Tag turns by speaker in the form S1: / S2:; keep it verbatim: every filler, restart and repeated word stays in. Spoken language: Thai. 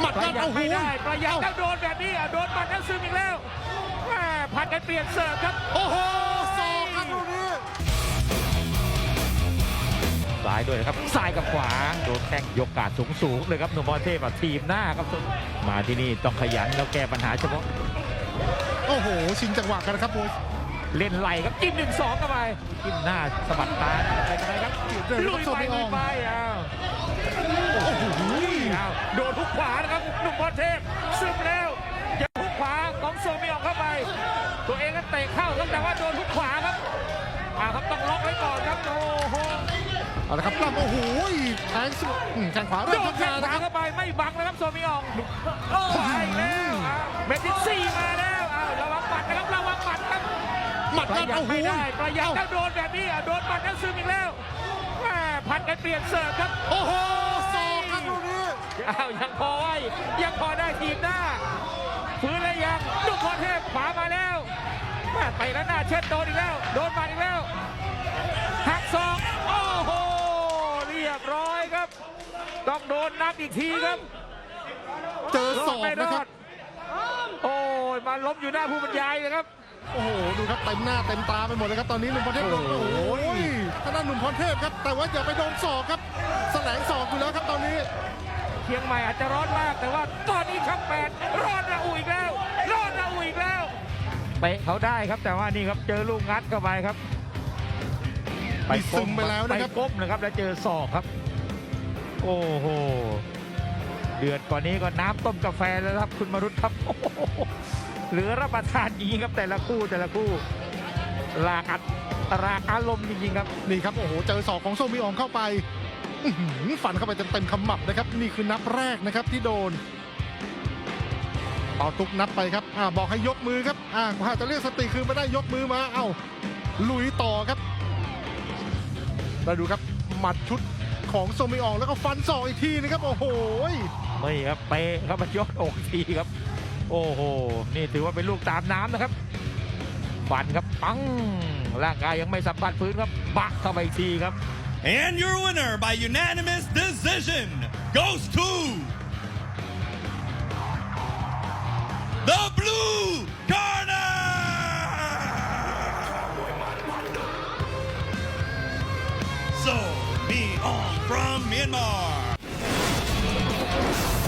S1: หมัด
S2: ประ
S1: กัน
S2: หยัด
S1: เอาหู
S2: ไม่ได้ประหยัดแล้วโดนแบบนี้อ่ะโดนหมัดแล้วซึมอีกแล้วแม่ผัดกันเปลี่ยนเสิร์ฟครับ
S1: โอ้โหศอกครับลูกนี้
S2: ซ้ายด้วยนะครับซ้ายกับขวาโดนแข้งยกกาดสูงสูงๆเลยครับหนุ่มพรเทพอ่ะทีมหน้าครับมาที่นี่ต้องขยันแล้วแก้ปัญหาเฉพาะ
S1: โอ้โหชิงจังหวะกันนะครับโอ้ย
S2: เล่นไหลครับจิ้มหนึ่งสองเข้าไปจิ้มหน้าสะบัดตาอะไรกันไปครับลุยไปลุยไปอ้าวโอ้โหอ้าวโดนทุกขวานะครับหนุ่มพรเทพซึมแล้วอย่าทุกขวาของโซมิออกเข้าไป ตัวเองก็เตะเข้าครับแต่ว่าโดนทุกขวาครับอ่าครับต้องล็อกไว้ก่อนครับโอ้โห
S1: เอาละครับปล้ำโอ้โหแทงสุดอืมแทงขวา
S2: โด
S1: เริ่ม
S2: นแข้
S1: ทำ
S2: ง
S1: งาน
S2: ขวา
S1: นะครับ
S2: เข้าไปไม่บังนะครับโซมิอองขวาอีกแล้วอ้าวเมทิซี่มาแล้วอ้าวระวังหมัดนะครับระวังหมัดครับ
S1: หมัด
S2: ประ
S1: กัน
S2: หยัด
S1: เอาหู
S2: ไม่ได้ประหยัดแล้วโดนแบบนี้อ่ะโดนหมัดแล้วซึมอีกแล้วแม่ผัดกันเปลี่ยนเสิร์ฟครับ
S1: โอ้โหศอกครับลูกนี้
S2: อ้าวยังพอไว้ยังพอได้ทีมหน้าฟื้นแล้วยังลูกพรเทพขวามาแล้วแม่ไปแล้วหน้าเช็ดโดนอีกแล้วโดนหมัดอีกแล้วหักศอกโอ้โหเรียบร้อยครับต้องโดนนับอีกทีครับ
S1: เจอศ
S2: ร
S1: อ
S2: ด
S1: ก
S2: ไม่ร
S1: นะค
S2: อ
S1: รั
S2: ด
S1: บ
S2: โอ้ยมาล้มอยู่หน้าผู้บรรยายเลยครับ
S1: โอ้โหดูครับเต็มหน้าเต็มตาไปหมดเลยครับตอนนี้หนุ่มพรเทพโดน
S2: โอ้
S1: โอ้
S2: โห
S1: โหทางด้านหนุ่มพรเทพครับแต่ว่าอย่าไปโดนศอกครับแสลงศอกอยู่แล้วครับตอนนี้
S2: เชียงใหม่อาจจะร้อนมากแต่ว่าตอนนี้ช่องแปดร้อนระอุอีกแล้วร้อนระอุอีกแล้วเตะเขาได้ครับแต่ว่านี่ครับเจอลูกงัดเข้าไปครับ
S1: มีซึมไปแล้วนะครับ
S2: ไปก้มนะครับแล้วเจอศอกครับ โอ้โหเดือดกว่านี้ก็น้ำต้มกาแฟแล้วครับคุณมรุตครับโอ้โหเหลือรับประทานจริงครับแต่ละคู่แต่ละคู่ลากัดรากอารมณ์จริงๆครับ
S1: นี่ครับโอ้โหเจอศอกของโซมิอองเข้าไปอื้อหือฟันเข้าไปเต็มๆขมับนะครับนี่คือนับแรกนะครับที่โดนต่อตุกนับไปครับอ่าบอกให้ยกมือครับอ่าถ้าจะเรียกสติคือไม่ได้ยกมือมาเอ้าลุยต่อครับเราดูครับหมัดชุดของโซมิอองแล้วก็ฟันศอกอีกทีนะครับโอ้โห
S2: ไม่ครับเตะครับมายอดอกทีครับ โอ้โหนี่ถือว่าเป็นลูกตามน้ำนะครับฟันครับปังร่างกายยังไม่สัมผัสพื้นครับบักเข้าไปอีกทีครับ
S3: And your winner by unanimous decision goes to the blue corner. So, me on from Myanmar.